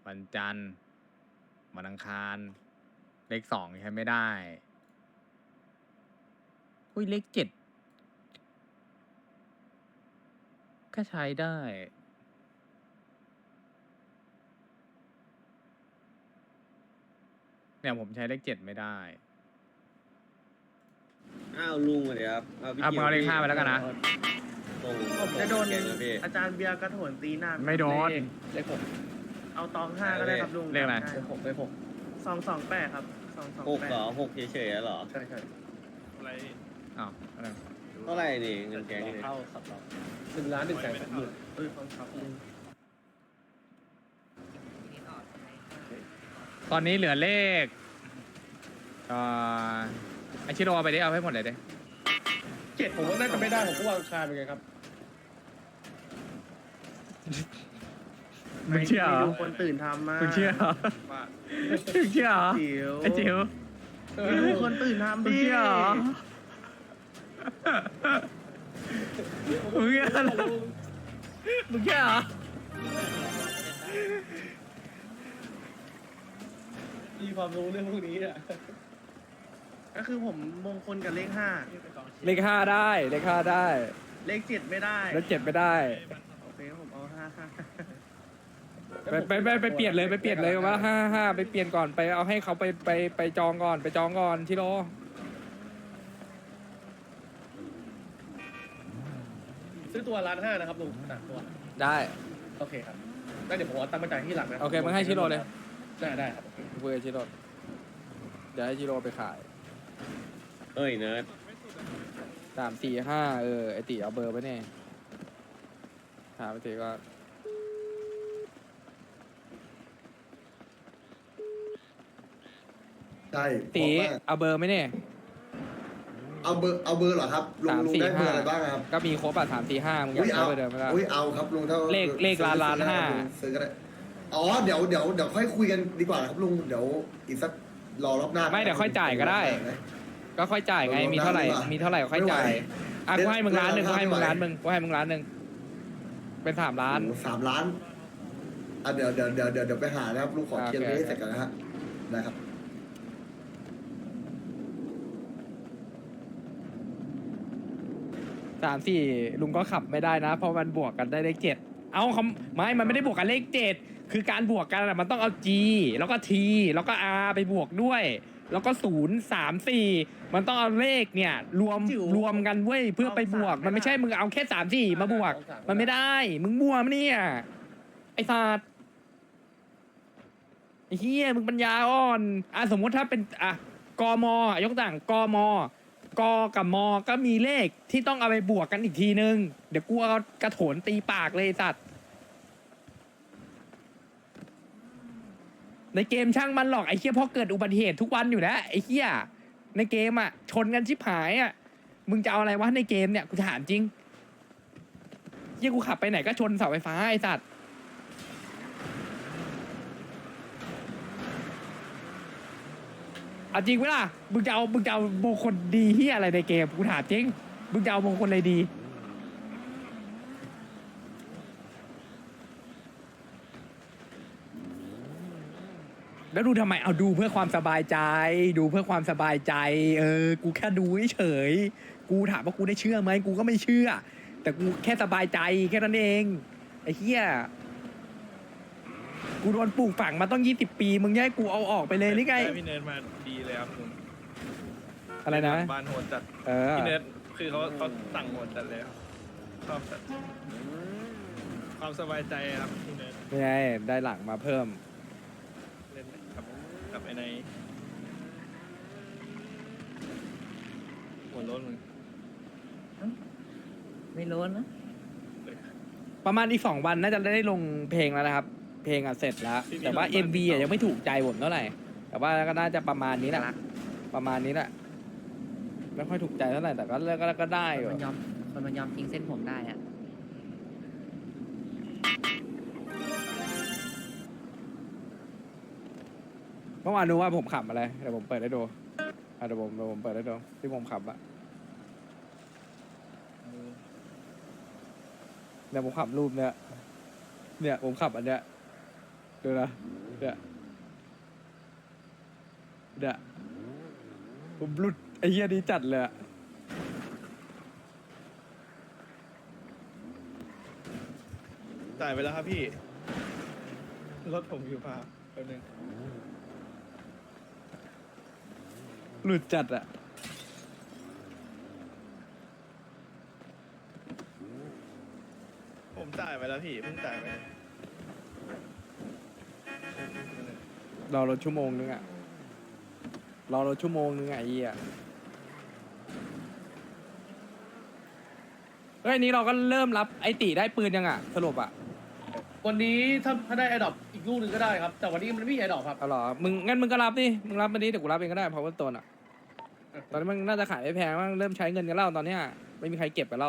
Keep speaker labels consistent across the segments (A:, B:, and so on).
A: วันจันทร์วันอังคารเลขสองใช้ไม่ได้อุ้ยเลขเจ็ดก็ใช้ได้เนี่ยผมใช้เลขเจ็ดไม่ได้
B: อ้าวลุงสวัสดีครับพี่
A: มึงเอาเลขห้าไปแล้วกันนะ
C: ผมจะโดน
B: แกงนะพี่
C: อาจารย์เบียร์กระโถนตีหน้า
A: ไม่โดน
C: เลขหกเอาตอง5ก็ได้ครับลุง
A: เลขอะไร
C: เลขหก228ครับ228
B: 6เหรอ6เฉยๆเหรอ
C: ใช่ใช่
A: อ้าวอะไร
B: เท่าไหร่นี่เงินแกงนี่
C: เข้าครับเรา1,130,000ครับลุง
A: ตอนนี้เหลือเลขไอชิโร่เอาไปดิเอาให้หมดเลยดิ
C: 7ผมว่าน่าจะไม่ได้ผมก็วางคาเป็นไงครับ
A: มึงเชื่อเหรอ
C: ดูคนตื่นทำมา
A: มึงเชื่อเหรอมึงเชื่อเหรอ
C: จิ๋ว
A: ไอจิ๋ว
C: ดูคนตื่นทำ
A: มึง
C: ดิ
A: เชื่อเหรอมึงเชื่อเหรอมึงเชื่อเหรอ
C: มีความรู้เรื่องพวกนี้อ่ะก็คือผมมงคลกับเลข5
D: เลขห้าได้เลขห้าได้
C: เลข7ไม่ได้
D: แล้วเจ็ดไม่ได้
C: โอเคผมเอา5
D: ไปเปลี่ยนเลยไปเปลี่ยนเลยว่าห้าไปเปลี่ยนก่อนไปเอาให้เขาไปจองก่อนไปจองก่อนชิโร่
C: ซื้อตัว1,500,000นะครับลุง3ตัว
D: ได้
C: โอเคครับแล้วเดี๋ยวผมเอาตังค์มาจ่ายที่หลังนะ
D: โอเคมึงให้ชิโร่เลย
C: ได้ครับ
D: คุยกับชิโร่เดี๋ยวให้ชิโร่ไปขาย
B: เอ้ยเนิร์ด
D: 3 4 5ไอติเอาเบอร์ไปเนี่ยถามไปติก็
E: ใช่
D: ติ
E: เพราะว่า
D: เอาเบอร์ไหมเนี่ย
E: เอาเบอร์เหรอครับลุงได้เบอร์อะไรบ้างครับ
D: ก็มีครบอ่ะ3 4 5มึงอยาก
E: อุ้ย
D: ใช้
E: เอา
D: เบอร์เดิมไหมล่ะ
E: อุ้ยเอาครับลุงถ้า
D: เลขล้าน
E: ซื้อ
D: ห้า
E: ซื้อก็ได้อ๋อเดี๋ยวค่อยคุยกันดีกว่าครับลุงเดี๋ยวอีกสักรอรอบหน้า
D: ไม่เดี๋ยวค่อยจ่ายก็ได้ ก็ค่อยจ่ายไงมีเท่าไหร่มีเท่าไหร่ก็ค่อยจ่ายอ่ะกูให้มึง1,000,000กูให้มึง1,000,000กูให้มึง1,000,000เป็น3 ล้าน
E: 3 ล้านอ่ะเดี๋ยวไปหานะครับลุงขอเคลียร์
D: โอเค
E: นี้ให้เสร็จก่อนนะฮะได้ครับ
D: 3 4ลุงก็ขับไม่ได้นะ เพราะมันบวกกันได้เลข7เอาคำไม่มันไม่ได้บวกกันเลข7คือการบวกกันอะมันต้องเอา G แล้วก็ T แล้วก็ R ไปบวกด้วย แล้วก็0 3 4มันต้องเอาเลขเนี่ยรวมกันเว้ยเพื่อไปบวกมันไม่ใช่มึงเอาแค่3 4มาบวก มันไม่ได้มึงมั่วมั้ยเนี่ยไอ้สัตว์ไอ้เหี้ยมึงปัญญาอ่อนอ่ะสมมุติถ้าเป็นอ่ะกมยกตัวอย่างกม กกับมก็มีเลขที่ต้องเอาไปบวกกันอีกทีนึง เดี๋ยวกูเอากระโถนตีปากเลยไอ้สัตว์ในเกมช่างมันหรอกไอ้เหี้ยเพราะเกิดอุบัติเหตุทุกวันอยู่แล้วไอ้เหี้ยในเกมอ่ะชนกันชิบหายอ่ะมึงจะเอาอะไรวะในเกมเนี่ยกูถามจริงเหี้ยกูขับไปไหนก็ชนเสาไฟฟ้าไอ้สัตว์เอาจริงไหมล่ะมึงจะเอามงคลดีที่อะไรในเกมกูถามจริงมึงจะเอามงคลอะไรดีแล้วดูทำไมเอาดูเพื่อความสบายใจดูเพื่อความสบายใจกูแค่ดูเฉยๆกูถามว่ากูได้เชื่อไหมกูก็ไม่เชื่อแต่กูแค่สบายใจแค่นั้นเองไอ้เหี้ยกูโดนปลูกฝังมาต้อง20 ปีมึงให้กูเอาออกไปเลยหรือไง
F: พี่เนิร์ดมาดีเลยครับลุง
D: อะไรนะ
F: บ้านโหดจัด
D: พี่
F: พี่เนิร์ดคือเขาสั่งโหดจัดเลยครับชอบจัดความสบายใจครับพี่เนิร์ด
D: ไม่ไงได้หลังมาเพิ่ม
F: เล่นกับไอ้ในหัวโล้นมึง
G: ไม่รู้นะ
D: ประมาณอีก2 วันน่าจะได้ลงเพลงแล้วนะครับ เพลงอ่ะเสร็จแล้ว แต่ว่า MV อ่ะยังไม่ถูกใจผมเท่าไหร่แต่ว่าก็น่าจะประมาณนี้แหละประมาณนี้แหละไม่ค่อยถูกใจเท่าไหร่แต่ก็ได้อยู่
G: คนมันยอมทิ้งเส้นผมได้อะ
D: เมื่อวานดูว่าผมขับอะไรเดี๋ยวผมเปิดให้ดูเดี๋ยวผมเปิดให้ดูที่ผมขับอะเดี๋ยวผมขับรูปเนี่ยผมขับอันเนี้ยดูนะเดี๋ยวผมหลุดไอ้เหี้ยนี้จัดเลยอะ
F: จ่ายไปแล้วครับพี่ รถผมอยู่พาแป๊บนึง
D: หลุดจัดอะ
F: ผมจ่ายไปแล้วพี่เพิ่งจ่ายไป
D: รอรถชั่วโมงนึงอะรอรถชั่วโมงนึงอะไอ้เหี้ยเฮ้ยอันนี้เราก็เริ่มรับไอติได้ปืนยังอะสรุปอะ
C: วันนี้ถ้าได้ไอดอปอีกลูกหนึ่งก็ได้ครับ แต่วันนี้มันไม่มีไอดอปครับ
D: เอาเหรองั้นมึงก็รับดิมึงรับมาดิเดี๋ยวกูรับเองก็ได้เพราะว่าตัวน่ะตอนนี้มันน่าจะขายไม่แพงมั้งเริ่มใช้เงินกันแล้วตอนเนี้ยไม่มีใครเก็บกันแล้ว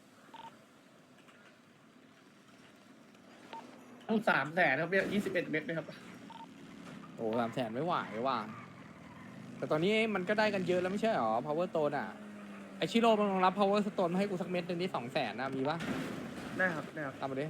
C: ลูก300,000ครับเนี่ย21 เม็ดนะครับ
D: โอ้300,000ไม่ไหวว่ะแต่ตอนนี้มันก็ได้กันเยอะแล้วไม่ใช่หรอ power stone อ่ะไอชิโร่มึงลองรับ power stone มาให้กูสักเม็ดหนึงนี่200,000นะมีปะ
C: ได้ครับได้ครับ
D: ตามมาดิ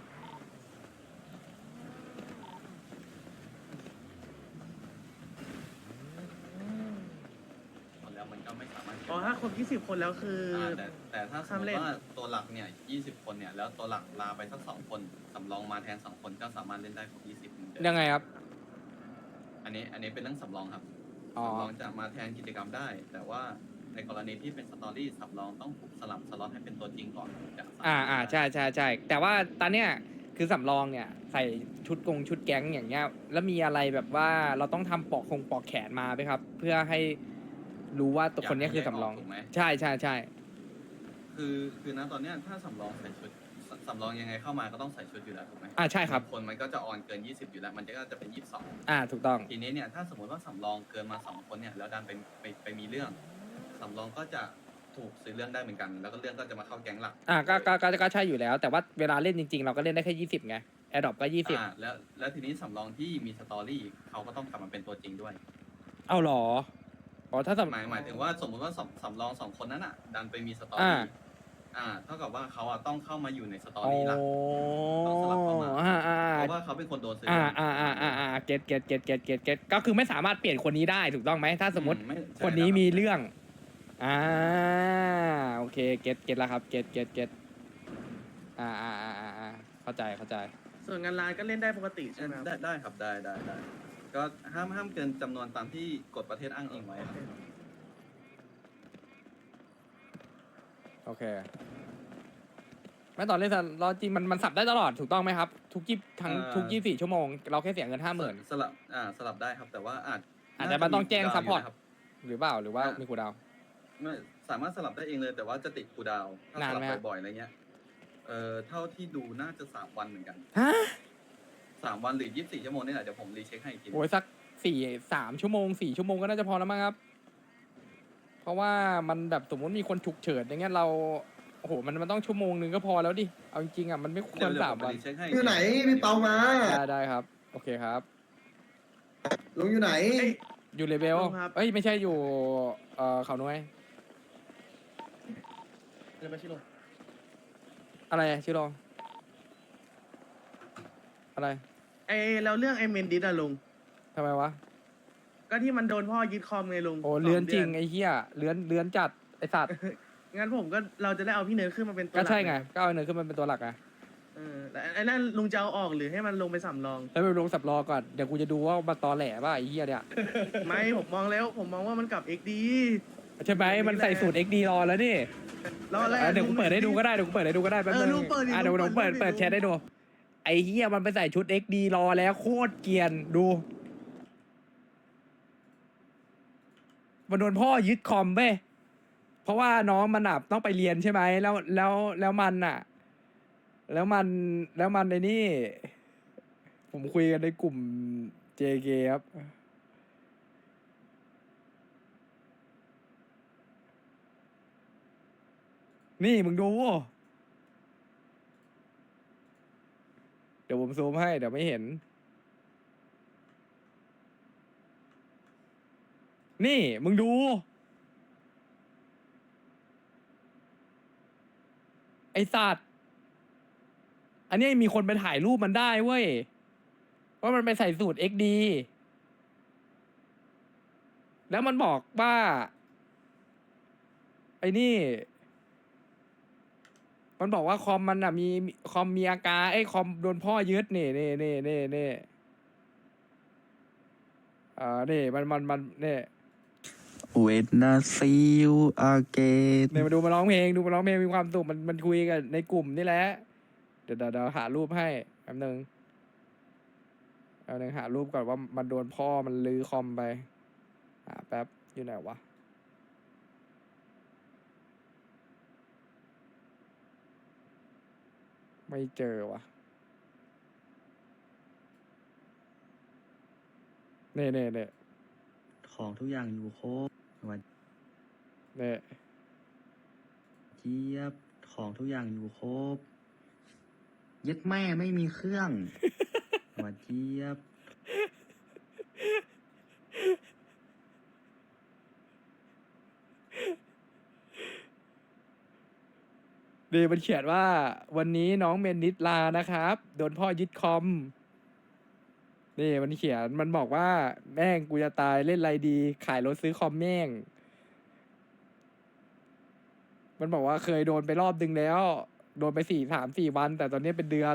H: แล้วมันก็ไม่สามารถ
C: อ๋อถ้าครบ20 คนแล้วคือ
H: แต่ถ้าสมมติว่าตัวหลักเนี่ย20 คนเนี่ยแล้วตัวหลักลาไปสัก2 คนสำรองมาแทน2 คนก็สามารถเล่นได้ครบ20เหมือนเดิม
D: ยังไงครับ
H: อันนี้เป็นเรื่องสำรองครับ
D: อ๋อ
H: สำรองจะมาแทนกิจกรรมได้ แต่ว่าในกรณีที่เป็นสตอรี่สำรองต้องถูกสลับสล็อตให้เป็นตัวจริงก่อนจะสามารถ
D: ใช่แต่ว่าตอนเนี้ยคือสำรองเนี่ยใส่ชุดแก๊งอย่างเงี้ยแล้วมีอะไรแบบว่าเราต้องทำปอกแขนมาไหมครับ เพื่อให้รู้ว่าตัวคนเนี้ยคือสำรอง
H: ถูกไหม
D: ใช่
H: คือณตอนเนี้ยถ้าสำรองใส่ชุดสำรองยังไงเข้ามาก็ต้องใส่ชุดอยู่แล้วถูกไหม
D: ใช่ครับ
H: คนมันก็จะออนเกิน20อยู่แล้วมันก็จะเป็น22
D: ถูกต้อง
H: ทีนี้เนี่ยถ้าสมมติว่าสำรองเกินมา2 คนเนี่ยแล้วดันไปมีเรื่องสำรองก็จะถูกซื้อเรื่องได้เหมือนกัน แล้วก็เรื่องก็จะมาเข้าแก๊งหลัก
D: ก็ใช่อยู่แล้ว แต่ว่าเวลาเล่นจริงๆ เราก็เล่นได้แค่20ไงแอร์ดรอปก็20
H: แล้วทีนี้สำรองที่มีสตอรี่เขาก็ต้องกลับมาเป็นตัวจริงด้วย
D: เอาหรออ๋อถ้า
H: หมายถึงว่าสมมุติว่าสำรอง2 คนนั้นอ่ะดันไปมีสตอ
D: อ่า
H: รี่เท่ากับว่าเขาอ่ะต้องเข้ามาอยู่ในสตอรี่หลัก ต้องสลับเข้ามา เพราะว่าเขาเป็นคนโดนซื้อ
D: เก็ตก็คือไม่สามารถเปลี่ยนคนนี้ได้ถูกต้องไหมถ้าสมมติ
H: ไใช่
D: คนนี้
H: รับ
D: มีเรื่องโอเคเก็ตแล้วครับเก็ตเข้าใจ
C: ส่วนงานร้านก็เล่นได้ปกติใช่ไหมครับ
H: ได้ครับได้ก็ห้ามเกินจำนวนตามที่กฎประเทศอ้างอิงไว้ครับ
D: โอเคไม่ตอนเล่นรอจริงมันสับได้ตลอดถูกต้องไหมครับ ทุก24 ชั่วโมง เราแค่เสียเงิน 50,000
H: สลับได้ครับแต่ว่า
D: อาจจะมันต้องแจ้งซัพพอร์ต
H: น่าจะมีคูลดาวน์ยู่นะครับ
D: หรือเปล่าหรือว่ามีคูลดาวน์
H: ไม่สามารถสลับได้เองเลยแต่ว่าจะติดคูลดาวน์ถ้าส
D: นาน
H: ลั
D: ไหม
H: บ
D: ฮะ
H: บ่อยๆอะไรเงี้ยเท่าที่ดูน่าจะ3 วันเหมือนกัน
D: ฮะ
H: 3 วันหรือ24 ชั่วโมงนี่แหละเดี๋ยวผมรีเช็คให้อีกที
D: โอ้ยสัก3 ชั่วโมง 4 ชั่วโมงก็น่าจะพอแล้วมั้งครับ เพราะว่ามันแบบสมมติมีคนฉุกเฉินอย่างเงี้ยเราโอ้โหมันต้องชั่วโมงนึงก็พอแล้วดิเอาจริงๆอ่ะมันไม่คว
H: เดี๋ย
D: ร
H: ว
D: 3
H: ผม
D: วัน
H: รีเช็คให้
E: อยู่ไหนพี่เปามา
D: ได้ครับ โอเคครับ
E: ลุงอยู่ไหน
D: อยู่เลเวล
C: ครับ
D: เอ้ยไม่ใช่อยู่เขาน้อย
C: เดี๋ยวไปชิโร่
D: อะไรชิโร่อะไร
C: แล้วเรื่องไอเมนดิสอะลุง
D: ทำไมวะ
C: ก็ที่มันโดนพ่อยึดคอมไงลุง
D: โอ้เลื้อน
C: 2
D: จริง
C: ดื
D: ไอ้เหี้ยเลื้อนจัดไอ้สัตว์
C: งั้นผมก็เราจะได้เอาพี่เนิร์ดขึ้นมาเป็นตัวห
D: ก็
C: ลัก
D: ใช่ไงก็เอาเนินขึ้นมาเป็นตัวหลักไง
C: แล้วไอ้นั่นลุงจะเอาออกหรือให้มันลงไปสำรอง
D: แล้วไปลงสับรอก่อนเดี๋ยวกูจะดูว่ามันตอแหลป่ะไอ้เหี้ยเนี่ย
C: ไม่ผมมองแล้วผมมองว่ามันกลับ XD
D: ใช่ไหมมันใส่สูตร XD รอแล้วนี่
C: รอแรก
D: เดี๋ยวกูเปิดให้ดูก็ได้แป๊บนึง
C: ลุงเปิดดิ
D: เดี๋ยว
C: ลุง
D: เปิด
C: ดิ
D: แชทให้ดูไอ้เหี้ยมันไปใส่ชุด XD รอแล้วโคตรเกรียนดูมันโดนพ่อยึดคอมเว้ยเพราะว่าน้องมันอ่ะต้องไปเรียนใช่ไหมแล้วมันอ่ะ แล้วมันในนี่ ผมคุยกันในกลุ่ม JK ครับนี่มึงดูเดี๋ยวผมซูมให้เดี๋ยวไม่เห็น นี่มึงดู ไอสัตว์ อันนี้มีคนไปถ่ายรูปมันได้เว้ยว่ามันไปใส่สูตร XD แล้วมันบอกว่า ไอ้นี่ มันบอกว่าคอมมันอ่ะมีคอมมีอาการไอ้คอมโดนพ่อยึดนี่นี่มันนี่
I: When I see you again
D: เนี่ยมาดูมาร้องเพลงมีความสุขมันคุยกันในกลุ่มนี่แหละ เดี๋ยวหารูปให้แป๊บนึงหารูปก่อนว่ามันโดนพ่อมันลื้อคอมไปหาแป๊บอยู่ไหนวะไม่เจอวะเน่
I: ของทุกอย่างอยู่ครบวัน
D: เน่
I: เจี๊ยบของทุกอย่างอยู่ครบยึดแม่ไม่มีเครื่อง วันเจี๊ยบ
D: นี่มันเขียนว่าวันนี้น้องเมนนิดลานะครับ โดนพ่อยึดคอม นี่มันเขียนมันบอกว่าแม่งกูจะตายเล่นไรดี ขายรถซื้อคอมแม่ง มันบอกว่าเคยโดนไปรอบนึงแล้ว โดนไป4 วัน แต่ตอนนี้เป็นเดือน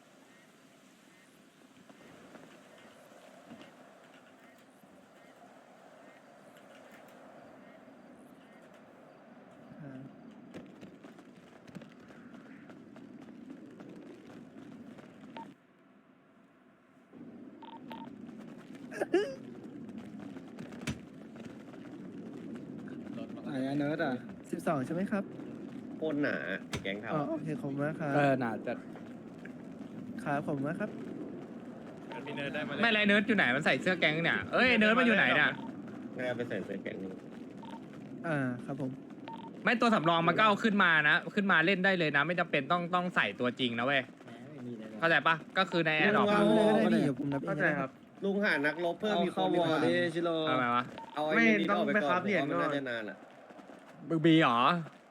C: ไหนอะเนิร์ดอ่ะ12ใช่ไหมครับ
B: โคตรหนาไอ้แก๊งเทา
C: อ๋อโอเคขอบคุณมากครับ
D: น่าจะ
C: ครับขอบคุณมากครับ
F: มีเนิร์ดได้มา
A: ไม่ไรเนิร์ดอยู่ไหนมันใส่เสื้อแก๊งเนี่ยเอ้ยเนิร์ดมันอยู่ไหนเนี่ย
B: ไม่เอาไปใส่เสื้อแก๊งนี่
C: ครับผม
A: ไม่ตัวสำรองมันก็เอาขึ้นมานะขึ้นมาเล่นได้เลยนะ ไม่จำเป็นต้องใส่ตัวจริงนะเว้ยเข้าใจปะก็คือในแอร์ดรอป
C: ได้ดิเดี๋ยวผมนับเอง
F: เข้าใจครับ
B: ลุงหานักรบเพิ่มมีคนดีกว่า
C: ชิโร่
A: ทำไมวะ
B: เอาไอ้
C: ไม่
B: นี่
C: ต้อง
B: ออกไป
C: ไป
B: ก่อน
C: ครับเหรียญ
B: ผมว่ามัน
C: ก่อน
B: น่าจะนานอ่ะ
A: มึงบีเหรอ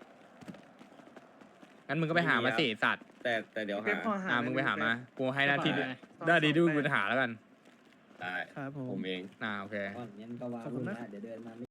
A: งั้นมึงก็ไปหามาสิสัตว์
B: แต่เดี๋ยวหา
A: มึงไปหามากูให้หน้าที่ได้ดีดูกูหาแล้วกัน
B: ได้
C: ครับผม
B: ผมเอง
A: โอเค
C: ขอบคุณนะ